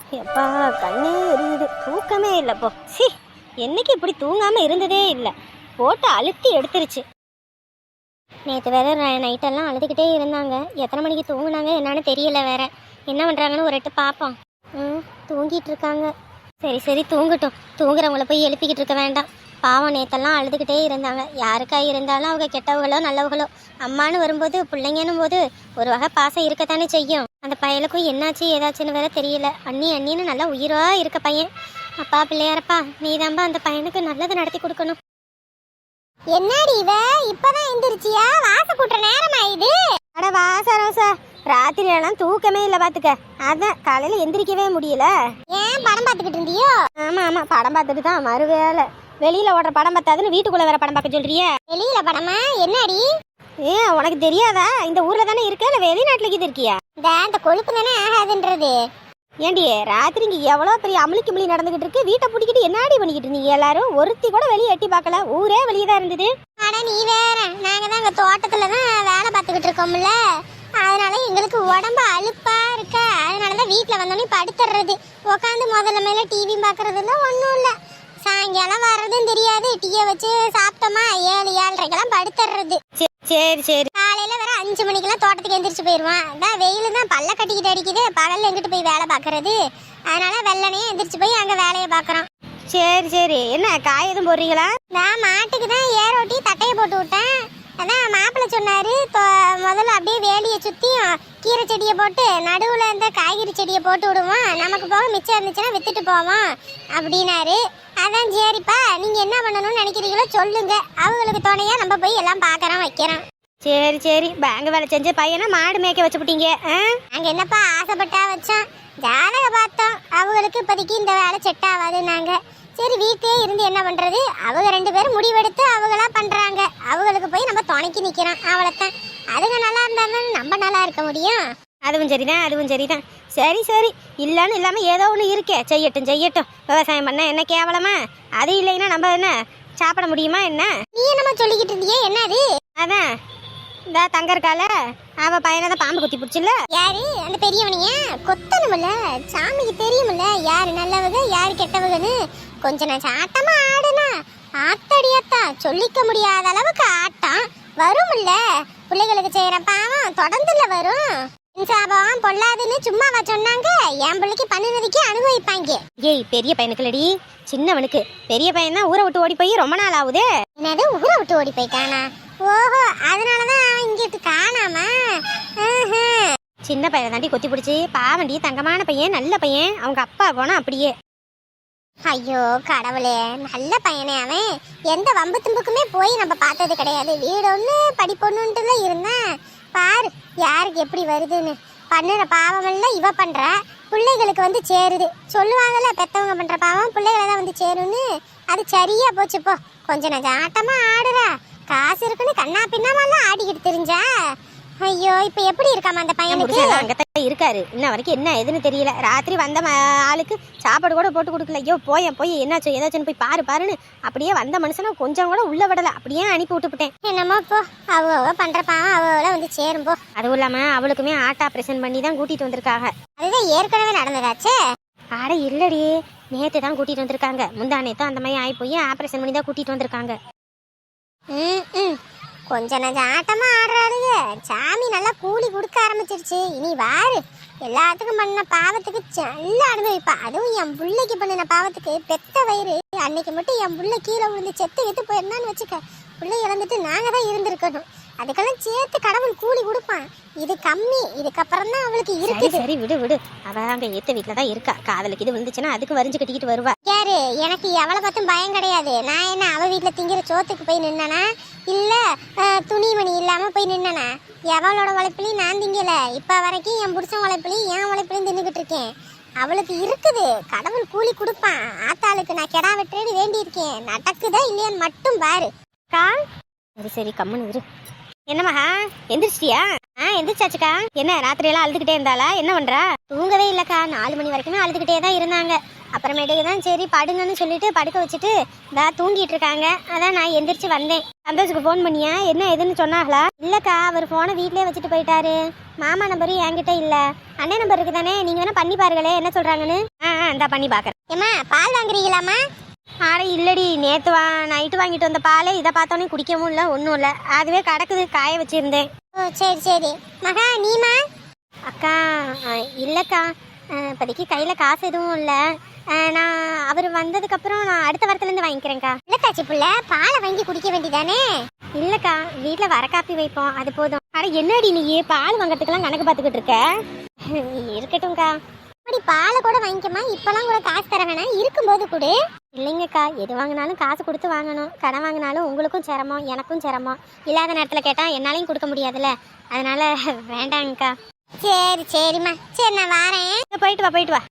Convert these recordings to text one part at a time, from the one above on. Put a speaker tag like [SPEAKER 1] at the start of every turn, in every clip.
[SPEAKER 1] எப்பா கண்ணே எரியுது, தூக்கமே இல்லைப்போ. சி, என்னைக்கு இப்படி தூங்காமல் இருந்ததே இல்லை. போட்டு அழுத்தி எடுத்துருச்சு. நேற்று வேற நைட்டெல்லாம் அழுதுகிட்டே இருந்தாங்க. எத்தனை மணிக்கு தூங்குனாங்க என்னன்னு தெரியல. வேற என்ன பண்ணுறாங்கன்னு ஒரு எட்டு பார்ப்போம். தூங்கிட்டு இருக்காங்க. சரி சரி, தூங்கட்டும். தூங்குறவங்கள போய் எழுப்பிக்கிட்டு இருக்க வேண்டாம். பாவம், நேற்றெல்லாம் அழுதுகிட்டே இருந்தாங்க. யாருக்கா இருந்தாலும் அவங்க கெட்டவங்களோ நல்லவங்களோ, அம்மானு வரும்போது பிள்ளைங்கன்னும் போது ஒரு வகை பாசம் இருக்கத்தானே செய்யும். அந்த பையனுக்கும் என்னாச்சு ஏதாச்சுன்னு வேற தெரியல. அண்ணின்னு நல்லா உயிரா இருக்க பையன். அப்பா பிள்ளையாரப்பா, நீதான்பா அந்த பையனுக்கு நல்லது நடத்தி கொடுக்கணும். என்னடி இவ இப்பதான் எந்திரிச்சியா? வாச கூட்டுற நேரம் ஆயிடுது. அட வாசரோசா, ராத்திரியெல்லாம் தூக்கமே இல்லை பாத்துக்க. அதான் காலையில எந்திரிக்கவே முடியல. ஏன் படம் பார்த்துக்கிட்டு இருந்தியோ? ஆமா ஆமா, படம் பார்த்துட்டு தான் மறுவேளை. வெளியில ஓடுற படம் பார்த்தாதுன்னு வீட்டுக்குள்ள வேற படம் பார்க்க சொல்றிய? வெளியில படமா? என்னடி? ஏன் உனக்கு தெரியாதா? இந்த ஊர்ல தானே இருக்க, இல்ல வெளிநாட்டுல இது இருக்கியா? இந்த கொழுப்பு தானே ஆகாதுன்றது. ஏண்டி ராத்திரி இங்க எவ்வளவு பெரிய அமளிக்கு மொழி நடந்துகிட்டு இருக்கு. வீட்டை பிடிக்கிட்டு என்னாடி பண்ணிக்கிட்டு இருந்தீங்க எல்லாரும்? ஒருத்தி கூட வெளியே எட்டி பார்க்கல, ஊரே வெளியே தான் இருந்தது. ஆனா நீ வேற, நாங்க தான் அங்க தோட்டத்துலதான் வேலை பார்த்துக்கிட்டு இருக்கோம்ல, அதனால எங்களுக்கு உடம்பு அலுப்பா இருக்க. அதனாலதான் வீட்டுல வந்தோடனே படுத்துறது, உட்காந்து முதல்ல மேல டிவி பாக்குறதுல ஒன்றும் இல்லை. சாயங்காலம் வர்றதும் தெரியாது. டீயை வச்சு சாப்பிட்டோமா 7-7:30 படுத்துறது. சரி சரி. காலையில வேற 5 மணிக்கெல்லாம் தோட்டத்துக்கு எந்திரிச்சு போயிடுவான். அதான் வெயில் தான் பல்ல கட்டிக்கிட்டு அடிக்குது. பகல்ல எங்கிட்டு போய் வேலை பார்க்கறது. அதனால வெள்ளனே எந்திரிச்சு போய் அங்க வேலையை பார்க்கறோம். சரி சரி. என்ன காய் எதுவும் போடுறீங்களா? நான் மாட்டுக்கு தான் ஏரோட்டி தட்டையை போட்டு விட்டேன். அதான் மாப்பிள்ளை சொன்னாரு, முதல்ல அப்படியே வேலியை சுத்தியும் கீரை செடியை போட்டு நடுவுல இந்த காய்கறி செடியை போட்டு விடுவோம், நமக்கு போக மிச்சம் இருந்துச்சுன்னா வித்துட்டு போவோம் அப்படின்னாரு. அதான் சரிப்பா, நீங்க என்ன பண்ணணும்னு நினைக்கிறீங்களோ சொல்லுங்க, அவங்களுக்கு துணையா நம்ம போய் எல்லாம் பாக்குறோம் வைக்கிறோம். சரி சரி. பேங்க் வேலை செஞ்ச பையனா மாடு மேய்க்க வச்சுட்டீங்க. நாங்க என்னப்பா ஆசைப்பட்டா வச்சோம், ஜாதக பார்த்தோம். அவங்களுக்கு இப்போதைக்கு இந்த வேலை செட் ஆகாதுன்னாங்க. சரி, வீட்டிலே இருந்து என்ன பண்றது, அவங்க 2 பேரும் முடிவெடுத்து அவங்களா பண்றாங்க. அவங்களுக்கு போய் நம்ம துணைக்கு நிக்கிறோம், அவ்வளோத்தான். அதுங்க நல்லா இருந்தாலும் நம்ம நல்லா இருக்க முடியும். அதுவும் சரிதான், அதுவும் சரிதான். சரி சரி, இல்லைன்னு இல்லாமல் ஏதோ ஒன்று இருக்கே, செய்யட்டும் செய்யட்டும். விவசாயம் பண்ண என்ன கேவலமா? அது இல்லைன்னா நம்ம என்ன சாப்பிட முடியுமா என்ன? நீ என்னமா சொல்லிக்கிட்டு இருந்தியே, என்னது? அதான் இந்த தங்க இருக்கால, அவ பையனை தான் பாம்பு குத்தி பிடிச்சில்ல. யாரு? அந்த பெரியவனைய கொத்தணுமில்ல, சாமிக்கு தெரியுமில்ல யாரு நல்லவங்க யாரு கெட்டவங்கன்னு. கொஞ்ச நேரம் ஆட்டமா ஆடுனா ஆத்தடியாத்தா சொல்லிக்க முடியாத அளவுக்கு ஆட்டம் வரும்ல. பிள்ளைகளுக்கு செய்யற பாவம் தொடர்ந்துல வரும். சாபம் பொல்லாதுன்னு சும்மாவா சொன்னாங்க? என் பிள்ளைக்கு பண்ணினதுக்கே அனுபவிப்பாங்க. ஏய், பெரிய பையனுக்கு இல்லடி, சின்னவனுக்கு. பெரிய பையன் தான் ஊரை விட்டு ஓடி போய் ரொம்ப நாள் ஆகுது. என்னது, ஊரை விட்டு ஓடி போய்க்கானா? ஓஹோ, அதனாலதான் அவன் இங்கிட்டு காணாமா? சின்ன பையனை தாண்டி கொத்தி பிடிச்சி. பாவண்டி, தங்கமான பையன், நல்ல பையன். அவங்க அப்பா போனா அப்படியே. ஐயோ கடவுளே, நல்ல பையனே அவன். எந்த வம்பு தும்புக்குமே போய் நம்ம பார்த்தது கிடையாது. வீடு ஒன்று படிப்பொண்ணுன்ட்டுல இருந்தான். பாரு யாருக்கு எப்படி வருதுன்னு. பண்ணுற பாவமெல்லாம் இவ பண்ற, பிள்ளைகளுக்கு வந்து சேருது. சொல்லுவாங்கல்ல, பெத்தவங்க பண்ற பாவம் பிள்ளைகளை தான் வந்து சேருன்னு. அது சரியா போச்சு போ. கொஞ்ச நேரம் ஆட்டமா ஆடுறா, காசு இருக்குன்னு கண்ணா பின்னாமெல்லாம் ஆடிக்கிட்டு தெரிஞ்சா. ஐயோ, இப்ப எப்படி இருக்காம அந்த பையனுக்கு? அங்கத்தான் இருக்காரு, இன்ன வரைக்கும் என்ன எதுன்னு தெரியல. ராத்திரி வந்த ஆளுக்கு சாப்பாடு கூட போட்டு கொடுக்கல. ஐயோ போய் என்னாச்சு ஏதாச்சுன்னு போய் பாருன்னு அப்படியே வந்த மனுஷனை கொஞ்சம் கூட உள்ள விடல, அப்படியே அனுப்பி விட்டுவிட்டேன். என்னமோ போ, அவ பண்ற பாவம் அவள வந்து சேரும் போ. அதுவும் இல்லாம அவளுக்குமே ஆர்ட் ஆபரேஷன் பண்ணி தான் கூட்டிட்டு வந்திருக்காங்க. அதுதான் ஏற்கனவே நடந்ததாச்சே. ஆட இல்லடி, நேத்து தான் கூட்டிட்டு வந்திருக்காங்க. முந்தா நேத்து அந்த மாதிரி ஆகி போய் ஆபரேஷன் பண்ணி தான் கூட்டிட்டு வந்திருக்காங்க. கொஞ்ச நேரம் ஆட்டமா ஆடுறாருங்க. சாமி நல்லா கூலி கொடுக்க ஆரம்பிச்சிருச்சு. இனி வாரு, எல்லாத்துக்கும் பண்ண பாவத்துக்கு நல்லா அனுபவிப்பா. அதுவும் என் பிள்ளைக்கு பண்ணின பாவத்துக்கு பெத்த வயிறு. அன்னைக்கு மட்டும் என் பிள்ளை கீழே விழுந்து செத்து போயிருந்தான்னு வச்சுக்க, பிள்ளை இறந்துட்டு நாங்க தான் இருந்திருக்கணும். அதுக்கெல்லாம் சேர்த்து கடவுள் கூலி கொடுப்பான். இது கம்மி, இதுக்கப்புறம் தான் அவளுக்கு இருக்கு. சரி விடு விடு, அவ அங்க ஏத்த வீட்டுல தான் இருக்கா. காதலுக்கு இது விழுந்துச்சுன்னா அதுக்கு வரிஞ்சு கட்டிக்கிட்டு வருவா. யாரு? எனக்கு எவளை பார்த்தும் பயம் கிடையாது. நான் என்ன அவ வீட்டுல திங்கிற சோத்துக்கு போய் நின்னா, இல்ல துணிமணி இல்லாம போய் நின்னா? எவளோட உழைப்புலையும் நான் திங்கல. இப்ப வரைக்கும் என் புருஷன் உழைப்புலையும் என் உழைப்புலையும் தின்னுக்கிட்டு இருக்கேன். அவளுக்கு இருக்குது, கடவுள் கூலி கொடுப்பான். ஆத்தாளுக்கு நான் கெடா வெட்டுறேன்னு வேண்டி இருக்கேன். நடக்குதா இல்லையான்னு மட்டும் பாரு. சரி சரி, கம்முன்னு இரு. என்னம்மா எந்திரிச்சிட்டியா? எந்திரிச்சாச்சுக்கா. என்ன ராத்திரியெல்லாம் அழுதுகிட்டே இருந்தாளா? என்ன பண்றா? தூங்கவே இல்லக்கா, 4 மணி வரைக்குமே அழுதுகிட்டே தான் இருந்தாங்க. அப்புறமேட்டுக்கு தான் சரி படுங்கன்னு சொல்லிட்டு படுக்க வச்சுட்டு தூங்கிட்டு இருக்காங்க. அதான் நான் எந்திரிச்சு வந்தேன். சந்தோஷுக்கு ஃபோன் பண்ணியா? என்ன எதுன்னு சொன்னாங்களா? இல்லக்கா, அவர் ஃபோனை வீட்லயே வச்சுட்டு போயிட்டாரு. மாமா நம்பரும் என்கிட்ட இல்ல, அண்ணன் நம்பர் இருக்கு தானே, நீங்க வேணா பண்ணி பாருங்களே என்ன சொல்றாங்கன்னு. இந்தா பண்ணி பாக்குறேன். ஏமா பால் வாங்குறீங்களாமா? ஆட இல்லடி, நேற்று நைட்டு வாங்கிட்டு வந்த பால் இதை பார்த்தோன்னே குடிக்கவும் இல்லை, ஒன்றும் இல்லை, அதுவே கிடக்குது, காய வச்சிருந்தேன். ஓ சரி சரி. மகா நீமா? அக்கா இல்லைக்கா, இப்போதைக்கு கையில் காசு எதுவும் இல்லை. நான் அவர் வந்ததுக்கப்புறம் நான் அடுத்த வாரத்துலேருந்து வாங்கிக்கிறேன்க்கா. இல்லைக்காச்சி புள்ள, பாலை வாங்கி குடிக்க வேண்டியதானே? இல்லைக்கா, வீட்டில் வர காப்பி வைப்போம், அது போதும். அட என்னடி நீ பால் வாங்கிறதுக்கெல்லாம் கணக்கு பார்த்துக்கிட்டு இருக்க? இருக்கட்டும்க்கா. அப்படி பாலை கூட வாங்கிக்கமா, இப்பெல்லாம் கூட காசு தர வேணாம், இருக்கும்போது கூட. இல்லைங்கக்கா, எது வாங்கினாலும் காசு கொடுத்து வாங்கணும். கடன் வாங்கினாலும் உங்களுக்கும் சிரமம் எனக்கும் சிரமம். இல்லாத நேரத்தில் கேட்டால் என்னாலையும் கொடுக்க முடியாதுல்ல, அதனால வேண்டாங்கக்கா. சரி சரிம்மா, சரி நான் வரேன். போயிட்டு வா போயிட்டு வா.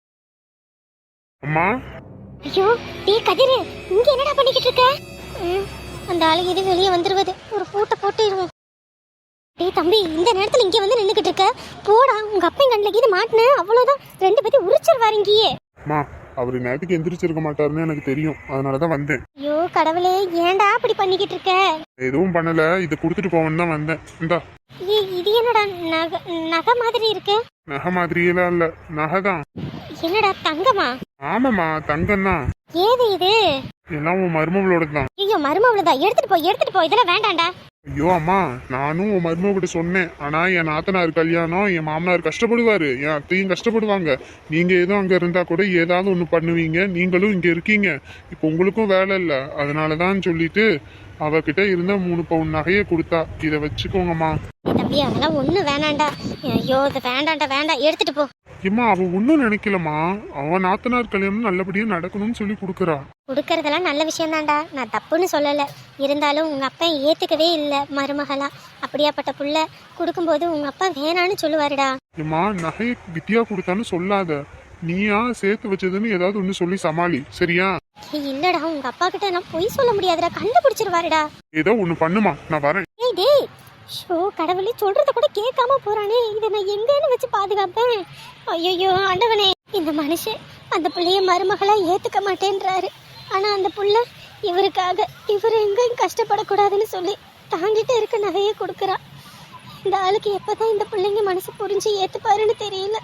[SPEAKER 2] அம்மா.
[SPEAKER 1] ஐயோ டீ கதிரு, இங்க என்னடா பண்ணிக்கிட்டு இருக்க? அந்த ஆளு இது வெளியே வந்துருவது, ஒரு பூட்டை போட்டுருவோம். டேய் தம்பி, இந்த நேரத்துல இங்கே வந்து நின்றுக்கிட்டு இருக்க, போடா. உங்க அப்பன் கண்ணில் இது மாட்டின அவ்வளோதான், ரெண்டு பேரும் உரிச்சிருவாரு இங்கேயே.
[SPEAKER 2] அம்மா, அவரு நேரத்துக்கு எந்திரிச்சிருக்க மாட்டாருன்னு எனக்கு தெரியும், அதனாலதான் வந்தேன்.
[SPEAKER 1] ஐயோ கடவுளே, ஏன்டா அப்படி பண்ணிக்கிட்டு இருக்க?
[SPEAKER 2] எதுவும் பண்ணல, இதை கொடுத்துட்டு போவேன்னு தான் வந்தேன். இந்தா.
[SPEAKER 1] இது என்னடா நகை மாதிரி இருக்கு?
[SPEAKER 2] நகை மாதிரியெல்லாம் இல்ல, நகைதான்.
[SPEAKER 1] என்னடா தங்கமா?
[SPEAKER 2] ஆமாம்மா, தங்கம் தான்.
[SPEAKER 1] ஏது இது?
[SPEAKER 2] எல்லாம் உன் மருமகளோட தான்.
[SPEAKER 1] ஐயோ மருமவளதான், எடுத்துட்டு போ இதெல்லாம் வேண்டாம்டா.
[SPEAKER 2] ஐயோ அம்மா, நானும் உன் மருமகிட்ட சொன்னேன். ஆனா என் நாத்தனார் கல்யாணம், என் மாமனார் கஷ்டப்படுவாரு, என் அத்தையும் கஷ்டப்படுவாங்க. நீங்க ஏதோ அங்க இருந்தா கூட ஏதாவது ஒண்ணு பண்ணுவீங்க, நீங்களும் இங்க இருக்கீங்க, இப்போ உங்களுக்கும் வேலை இல்லை, அதனாலதான் சொல்லிட்டு அவகிட்ட இருந்த 3 பவுன் நகையை கொடுத்தா, இதை வச்சுக்கோங்கம்மா.
[SPEAKER 1] தம்பி அதெல்லாம் ஒண்ணு வேணாண்டா. ஐயோ இது வேண்டாண்டா, வேண்டாம், எடுத்துட்டு போ.
[SPEAKER 2] ஏம்மா, அவ ஒன்னும் நினைக்கலமா, அவன் நாத்தனார் கல்யாணம் நல்லபடியா நடக்கணும்னு சொல்லி கொடுக்கறா.
[SPEAKER 1] கொடுக்கறதெல்லாம் நல்ல விஷயம் தான்டா, நான் தப்புன்னு சொல்லல. இருந்தாலும் உங்க அப்பா ஏத்துக்கவே இல்லை மருமகளா. அப்படியாப்பட்ட புள்ள கொடுக்கும்போது உங்க அப்பா வேணான்னு சொல்லுவாருடா.
[SPEAKER 2] ஏம்மா, நகையை வித்தியா கொடுத்தான்னு சொல்லாத, நீயா சேர்த்து வச்சதுன்னு ஏதாவது ஒண்ணு சொல்லி சமாளி, சரியா?
[SPEAKER 1] இல்லடா, உங்க அப்பா கிட்ட நான் பொய் சொல்ல முடியாதுடா, கண்டுபிடிச்சிருவாருடா.
[SPEAKER 2] ஏதோ ஒண்ணு பண்ணுமா, நான் வரேன்.
[SPEAKER 1] டேய் ஷோ, கடவுளே, சொல்றத கூட கேட்காம போறானே, இதை நான் எங்கன்னு வச்சு பாதுகாப்பேன்? ஐயோ ஆண்டவனே, இந்த மனுஷன் அந்த பிள்ளைய மருமகளா ஏத்துக்க மாட்டேன்றாரு. ஆனா அந்த புள்ள இவருக்காக இவர் எங்கேயும் கஷ்டப்படக்கூடாதுன்னு சொல்லி தாங்கிட்டு இருக்க நகையை கொடுக்குறா. இந்த ஆளுக்கு எப்பதான் இந்த பிள்ளைங்க மனசு புரிஞ்சு ஏத்துப்பாருன்னு தெரியல.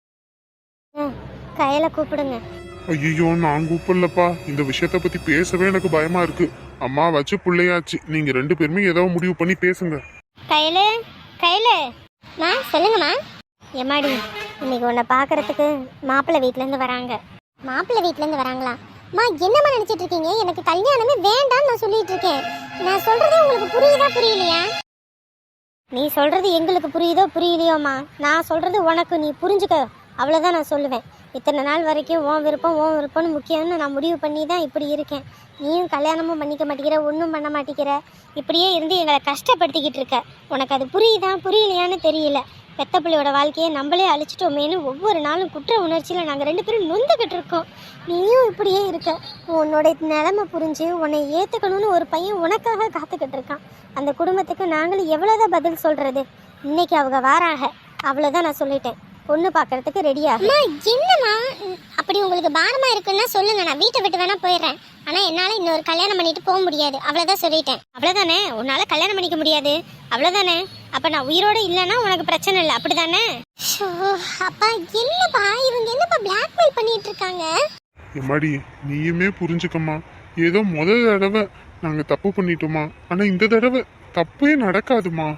[SPEAKER 1] கையில கூப்பிடுங்க.
[SPEAKER 2] ஐயோ, நான் கூப்பிடலப்பா, இந்த விஷயத்த பத்தி பேசவே எனக்கு பயமா இருக்கு. அம்மா வச்சு பிள்ளையாச்சு, நீங்க 2 பேருமே ஏதோ முடிவு பண்ணி பேசுங்க.
[SPEAKER 1] கையில சொல்லுங்கம்மா. எம்மாடி, இன்னைக்கு உன்னை பாக்குறதுக்கு மாப்பிள்ளை வீட்டுல இருந்து வராங்க. மாப்பிள்ளை வீட்டுல இருந்து வராங்களா? மா என்னம்மா நினைச்சிட்டு இருக்கீங்க? எனக்கு கல்யாணமே வேண்டாம்னு நான் சொல்லிட்டு இருக்கேன். நான் சொல்றது உங்களுக்கு புரியுதா புரியலையா? நீ சொல்றது எங்களுக்கு புரியுதோ புரியலையோம்மா, நான் சொல்றது உனக்கு நீ புரிஞ்சுக்க, அவ்வளோதான் நான் சொல்லுவேன். இத்தனை நாள் வரைக்கும் உன் விருப்பம்னு முக்கியம்னு நான் முடிவு பண்ணி தான் இப்படி இருக்கேன். நீயும் கல்யாணமும் பண்ணிக்க மாட்டேங்கிற, ஒன்றும் பண்ண மாட்டேங்கிற, இப்படியே இருந்து எங்களை கஷ்டப்படுத்திக்கிட்டு இருக்க. உனக்கு அது புரியுதா புரியலையான்னு தெரியல. பெத்த பிள்ளையோட வாழ்க்கையை நம்மளே அழிச்சிட்டோமேனு ஒவ்வொரு நாளும் குற்ற உணர்ச்சியில் நாங்கள் 2 பேரும் நொந்துக்கிட்டு இருக்கோம். நீயும் இப்படியே இருக்க. உன்னோட நிலைமை புரிஞ்சு உன்னை ஏற்றுக்கணும்னு ஒரு பையன் உனக்காக காத்துக்கிட்டு இருக்கான். அந்த குடும்பத்துக்கு நாங்களும் எவ்வளோதான் பதில் சொல்கிறது? இன்னைக்கு அவங்க வாராக, அவ்வளோதான் நான் சொல்லிட்டேன். பொண்ணு பார்க்கறதுக்கு ரெடியா? என்னம்மா அப்படி உங்களுக்கு பாரமா இருக்குன்னா சொல்லுங்க, நான் வீட்டை விட்டு வேணா போயிடுறேன். ஆனா என்னால இன்னொரு கல்யாணம் பண்ணிட்டு போக முடியாது, அவ்வளவுதான் சொல்லிட்டேன். அவ்வளவுதானே? உன்னால கல்யாணம் பண்ணிக்க முடியாது, அவ்வளவுதானே? அப்ப நான் உயிரோட இல்லைன்னா உனக்கு பிரச்சனை இல்லை, அப்படிதானே? அப்பா என்னப்பா இவங்க என்னப்பா பிளாக்மெயில் பண்ணிட்டு இருக்காங்க?
[SPEAKER 2] எம்மாடி, நீயுமே புரிஞ்சுக்கம்மா. ஏதோ முதல் தடவை நாங்க தப்பு பண்ணிட்டோமா, ஆனா இந்த தடவை தப்பே நடக்காதுமா.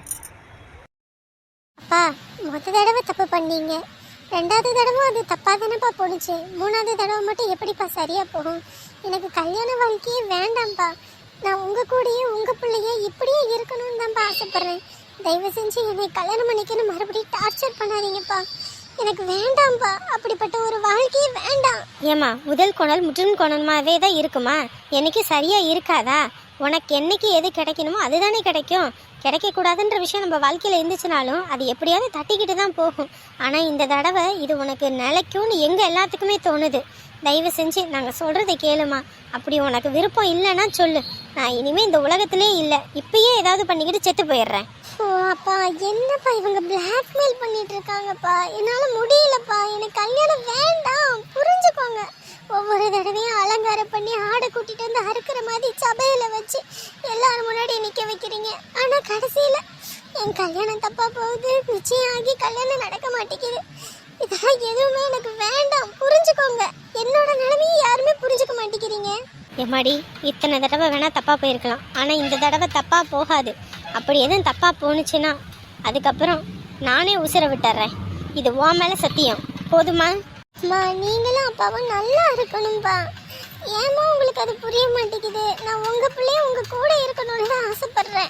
[SPEAKER 1] அப்பா மொத்த தடவை தப்பு பண்ணீங்க, 2வது தடவை அது தப்பா தானேப்பா போணுச்சு, 3வது தடவை மட்டும் எப்படிப்பா சரியா போகும்? எனக்கு கல்யாண வாழ்க்கையே வேண்டாம்ப்பா. நான் உங்க கூடயே உங்க பிள்ளையே இப்படியே இருக்கணும்னு தான்ப்பா ஆசைப்படுறேன். தயவு செஞ்சு என்னை கல்யாணம் பண்ணிக்கணும் மறுபடியும் டார்ச்சர் பண்ணாதீங்கப்பா. எனக்கு வேண்டாம்ப்பா, அப்படிப்பட்ட ஒரு வாழ்க்கையே வேண்டாம். ஏமா முதல் கோணல் முற்றிலும் கோணமாவே தான் இருக்குமா? என்னைக்கு சரியா இருக்காதா? உனக்கு என்னைக்கு எது கிடைக்கணுமோ அதுதானே கிடைக்கும். கிடைக்கக்கூடாதுன்ற விஷயம் நம்ம வாழ்க்கையில் இருந்துச்சுனாலும் அது எப்படியாவது தட்டிக்கிட்டு தான் போகும். ஆனால் இந்த தடவை இது உனக்கு நிலைக்கும்னு எங்கள் எல்லாத்துக்குமே தோணுது. தயவு செஞ்சு நாங்கள் சொல்கிறத கேளுமா. அப்படி உனக்கு விருப்பம் இல்லைன்னா சொல்லு, நான் இனிமேல் இந்த உலகத்திலே இல்லை, இப்பயே ஏதாவது பண்ணிக்கிட்டு செத்து போயிடுறேன். ஓ அப்பா என்னப்பா இவங்க பிளாக்மெயில் பண்ணிட்டு இருக்காங்கப்பா, என்னால் முடியலப்பா, எனக்கு கல்யாணம் வேண்டாம், புரிஞ்சுக்கோங்க. தடவையும் அலங்காரம் பண்ணி ஆடை கூட்டிட்டு வந்து அறுக்கிற மாதிரி சபையில வச்சு எல்லாரும் முன்னாடி நிக்க வைக்கிறீங்க. ஆனா கடைசியில என் கல்யாணம் தப்பா போகுது, நிச்சயம் ஆகி கல்யாணம் நடக்க மாட்டேங்குது. இதெல்லாம் எதுவுமே எனக்கு வேண்டாம், புரிஞ்சுக்கோங்க. என்னோட நிலைமையை யாருமே புரிஞ்சுக்க மாட்டேங்கிறீங்க. எம்மாடி, இத்தனை தடவை வேணா தப்பா போயிருக்கலாம், ஆனா இந்த தடவை தப்பா போகாது. அப்படி எதுவும் தப்பா போணுச்சுன்னா அதுக்கப்புறம் நானே உசிர விட்டுறேன். இது உன் மேல சத்தியம், போதுமா? நீங்களும் அப்பாவும் நல்லா இருக்கணும்பா. ஏமா உங்களுக்கு அது புரிய மாட்டேங்குது? நான் உங்க பிள்ளைய உங்க கூட இருக்கணும்னு தான் ஆசைப்படுறேன்.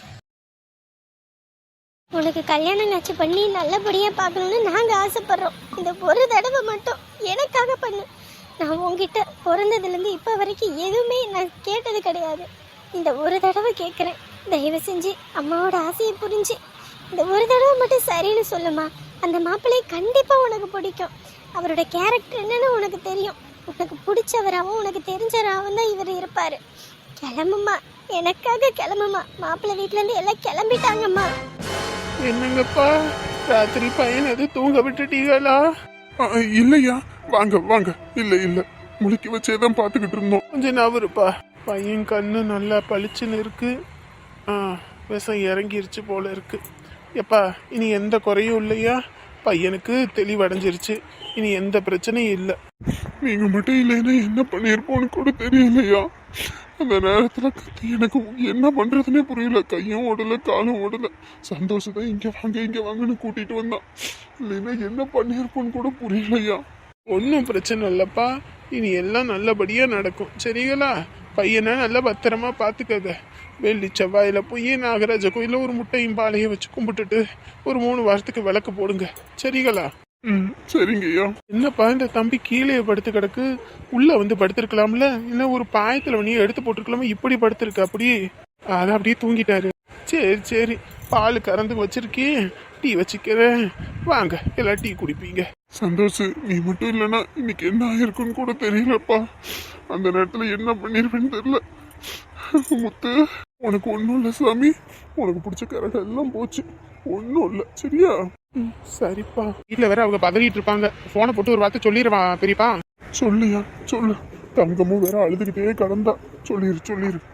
[SPEAKER 1] உனக்கு கல்யாணம் நச்சு பண்ணி நல்லபடியாக பார்க்கணுன்னு நாங்கள் ஆசைப்படுறோம். இந்த ஒரு தடவை மட்டும் எனக்காக பண்ணு. நான் உங்ககிட்ட பிறந்ததுலேருந்து இப்போ வரைக்கும் எதுவுமே நான் கேட்டது கிடையாது. இந்த ஒரு தடவை கேட்குறேன். தயவு செஞ்சு அம்மாவோட ஆசையை புரிஞ்சு இந்த ஒரு தடவை மட்டும் சரின்னு சொல்லுமா. அந்த மாப்பிள்ளையை கண்டிப்பாக உனக்கு பிடிக்கும். அவரோட கேரக்டர் என்னன்னு உனக்கு தெரியும். உனக்கு பிடிச்சவராகவும் உனக்கு தெரிஞ்சவராகவும் தான் இவர் இருப்பார். கிளம்புமா, எனக்காக கிளம்புமா. மாப்பிள்ளை வீட்டிலேருந்து எல்லாம் கிளம்பிட்டாங்கம்மா.
[SPEAKER 3] என்னங்கப்பா, ராத்திரி பையன் அது தூங்க விட்டுட்டீங்களா?
[SPEAKER 2] இல்லையா, வாங்க வாங்க. இல்ல இல்ல, முழுக்கி வச்சேதான் பாத்துக்கிட்டு இருந்தோம்.
[SPEAKER 3] கொஞ்சம் நவருப்பா. பையன் கண்ணு நல்லா பளிச்சுன்னு இருக்கு. விஷம் இறங்கிருச்சு போல இருக்கு. எப்பா, இனி எந்த குறையும் இல்லையா? பையனுக்கு தெளிவடைஞ்சிருச்சு. இனி எந்த பிரச்சனையும் இல்லை.
[SPEAKER 2] நீங்க மட்டும் இல்லைன்னா என்ன பண்ணிருப்போன்னு கூட தெரியலையா. அந்த நேரத்துல எனக்கு என்ன பண்றதுன்னே புரியல. கையும் ஓடல, காலும் ஓடல. சந்தோஷத்தை இங்க வாங்கன்னு கூட்டிட்டு வந்தான். இல்லைன்னா என்ன பண்ணிருப்போன்னு கூட புரியலையா.
[SPEAKER 3] ஒன்றும் பிரச்சனை இல்லைப்பா. இனி எல்லாம் நல்லபடியா நடக்கும், சரிங்களா? பையனை நல்லா பத்திரமா பார்த்துக்கங்க. வெள்ளி செவ்வாயில் போய் நாகராஜ கோயிலில் ஒரு முட்டையும் பாலையும் வச்சு கும்பிட்டுட்டு ஒரு 3 வாரத்துக்கு விளக்கு போடுங்க, சரிங்களா?
[SPEAKER 2] சரிங்கய்யா.
[SPEAKER 3] என்னப்பா, இந்த தம்பி கீழே படுத்து கிடக்கு. உள்ள வந்து படுத்திருக்கலாம்ல, இல்லை ஒரு பாயத்துல வணியை எடுத்து போட்டிருக்கலாமா? இப்படி படுத்திருக்கு. அப்படியே அதை அப்படியே தூங்கிட்டாரு. சரி சரி, பால் கறந்து வச்சிருக்கேன், டீ வச்சுக்கிறேன், வாங்க எல்லாம் டீ குடிப்பீங்க.
[SPEAKER 2] சந்தோஷ், நீ மட்டும் இல்லைன்னா இன்னைக்கு என்ன ஆயிருக்குன்னு கூட தெரியலப்பா. அந்த நேரத்துல என்ன பண்ணிருப்பேன்னு தெரியல. முத்து, உனக்கு ஒன்றும் இல்லை சாமி. உனக்கு பிடிச்ச கரகம் எல்லாம் போச்சு, ஒன்றும் இல்லை, சரியா?
[SPEAKER 3] சரிப்பா. வீட்டில் வேற அவங்க பதறிட்டு இருப்பாங்க. போனை போட்டு ஒரு வார்த்தை சொல்லிடுவான் பெரியப்பா.
[SPEAKER 2] சொல்லியா, சொல்லு. தங்கமும் வேற அழுதுகிட்டே கடந்தா. சொல்லிரு.